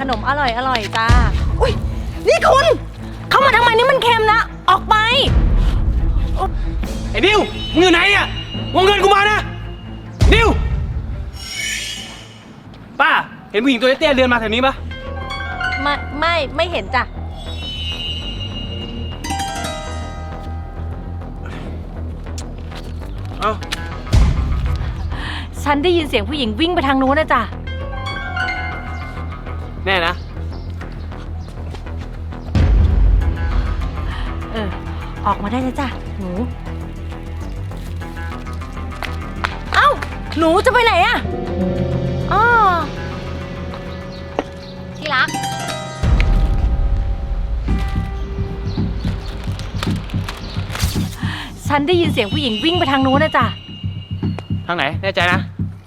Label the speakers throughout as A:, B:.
A: นมอร่อยจ้าอุ้ยนี่คุณเข้ามาทำไมนี่มันเค็มนะออกไป
B: ไอ้ดิวมึงอยู่ไหนเนี่ยวงเงินกูมานะดิวป้าเห็นผู้หญิงตัวเตี้ยๆเดินมาแถวนี้ปะ
A: ไม่เห็นจ้ะ
B: เอ้า
A: ฉันได้ยินเสียงผู้หญิงวิ่งไปทางนู้นนะจ้ะ
B: แน่นะ
A: ออกมาได้แล้วจ้ะหนูเอ้าหนูจะไปไหนอะอ๋อที่รักฉันได้ยินเสียงผู้หญิงวิ่งไปทางนู้นนะจ้ะ
B: ทางไหนแน่ใจนะ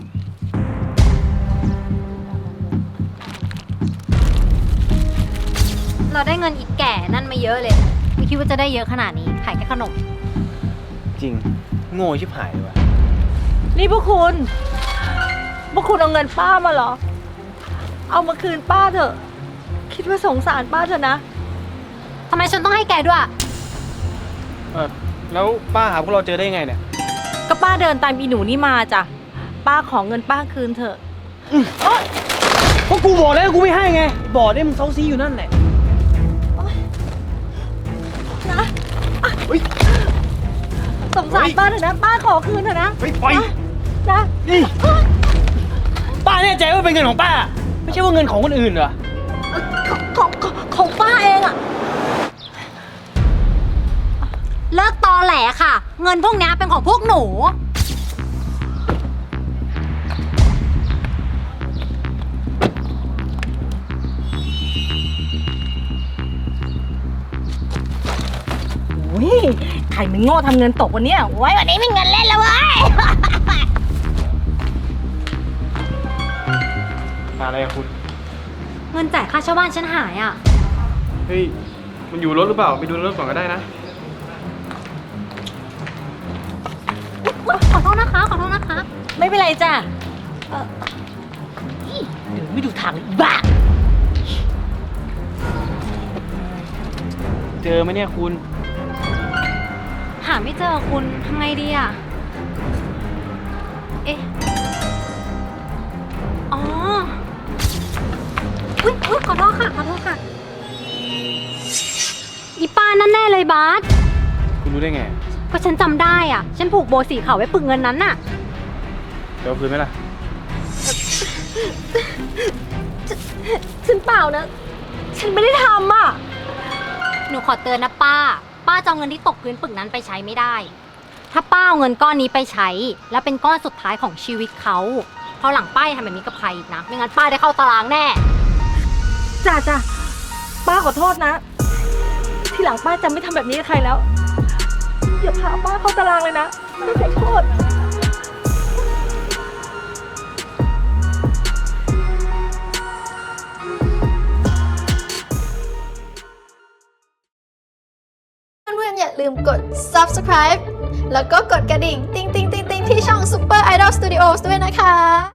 C: เราได้เงินอีกแก่นั่นมาเยอะเลยไม่คิดว่าจะได้เยอะขนาดนี้ขายแค่ขนม
B: จริงโง่ชิบหายเลยว่ะ
A: นี่พวกคุณเอาเงินป้ามาเหรอเอามาคืนป้าเถอะคิดว่าสงสารป้าเถอะนะ
C: ทำไมฉันต้องให้แกด้วย
B: แล้วป้าหาพวกเราเจอได้ยังไงเนี่ย
A: ก็ป้าเดินตามอีหนูนี่มาจ้ะป้าขอเงินป้าคืนเถอะ
B: เพราะกูบอกแล้วกูไม่ให้ไงบอกได้มึงเซาซีอยู่นั่นแหละ
A: นะสงสารป้าเถอะนะป้าขอคืนเถอะนะ
B: ไป
A: นะ
B: นี่ป้าแน่ใจว่าเป็นเงินของป้าไม่ใช่ว่าเงินของคนอื่นเหรอ
A: ของป้าเองอะ
C: เลิกตอแหลค่ะเงินพวกนี้เป็นของพวกหนู
A: ใครมันโง่ทำเงินตกวันนี้ไว้วันนี้มีเงินเล่นแล้วเว้ย
B: อะไรอะคุณ
C: เงินจ่ายค่าเช่าบ้านฉันหายอ่ะ
B: เฮ้ยมันอยู่รถหรือเปล่าไปดูรถก่อนก็ได้นะ
C: ขอโทษนะคะ
A: ไม่เป็นไรจ้ะไม่ดูทางเลยบ้า
B: เจอไหมเนี่ยคุณ
C: หาไม่เจอคุณทำไงดีอ่ะเอ๊ะอ๋ออุ๊ยขอโทษค่ะอีป้านั่นแน่เลยบาส
B: คุณรู้ได้ไง
C: ก็ฉันจำได้อ่ะฉันผูกโบสีขาวไว้ปึกเงินนั้นน่ะ
B: เดี๋ยวคืนไหมล่ะ
A: ฉันเปล่านะฉันไม่ได้ทำอ่ะ
C: หนูขอเตือนนะป้าจะเอาเงินที่ตกพื้นปึกนั้นไปใช้ไม่ได้ถ้าป้าเอาเงินก้อนนี้ไปใช้แล้วเป็นก้อนสุดท้ายของชีวิตเขาเพราะหลังป้าทำแบบนี้กับใครอีกนะไม่งั้นป้าได้เข้าตารางแน่
A: จ้ะป้าขอโทษนะทีหลังป้าจะไม่ทำแบบนี้กับใครแล้วอย่าพาป้าเข้าตารางเลยนะไม่ขอโทษ
D: เพื่อนๆอย่าลืมกด subscribe แล้วก็กดกระดิ่งติ๊งๆๆๆที่ช่อง Super Idol Studios ด้วยนะคะ